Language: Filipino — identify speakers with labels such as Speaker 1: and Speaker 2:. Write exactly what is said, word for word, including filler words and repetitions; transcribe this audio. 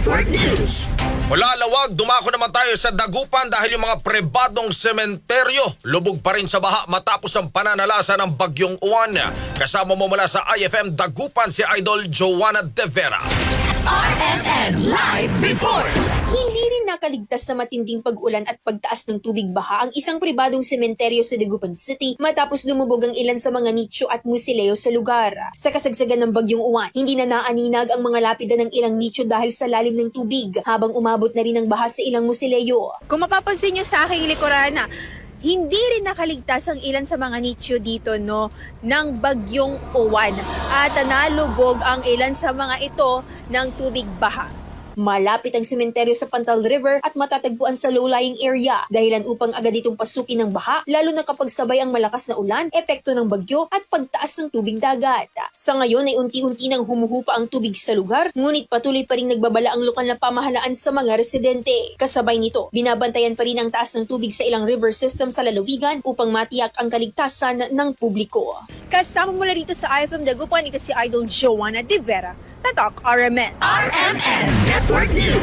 Speaker 1: Network News.
Speaker 2: Mula Lawag, dumako naman tayo sa Dagupan dahil yung mga prebadong sementeryo lubog pa rin sa baha matapos ang pananalasa ng bagyong Uwan. Kasama mo mula sa I F M Dagupan si Idol Joanna De Vera.
Speaker 1: R M N Live Reports.
Speaker 3: Hindi rin nakaligtas sa matinding pag-ulan at pagtaas ng tubig baha ang isang pribadong sementeryo sa Dagupan City matapos lumubog ang ilan sa mga nicho at musileo sa lugar. Sa kasagsagan ng bagyong Uwan, hindi na naaninag ang mga lapida ng ilang nicho dahil sa lalim ng tubig habang umabot na rin ang baha sa ilang musileo.
Speaker 4: Kung mapapansin nyo sa aking likuran na hindi rin nakaligtas ang ilan sa mga nicho dito no ng bagyong Uwan at nalubog ang ilan sa mga ito ng tubig baha.
Speaker 3: Malapit ang sementeryo sa Pantal River at matatagpuan sa low-lying area dahilan upang agad itong pasukin ng baha lalo na kapag sabay ang malakas na ulan, epekto ng bagyo at pagtaas ng tubig dagat. Sa ngayon ay unti-unti nang humuhupa ang tubig sa lugar ngunit patuloy pa rin nagbabala ang lokal na pamahalaan sa mga residente. Kasabay nito, binabantayan pa rin ang taas ng tubig sa ilang river system sa lalawigan upang matiyak ang kaligtasan ng publiko.
Speaker 4: Kasama mula rito sa I F M Dagupan, ito si Idol Joanna De Vera. Tatak R M N.
Speaker 1: R M N Network News.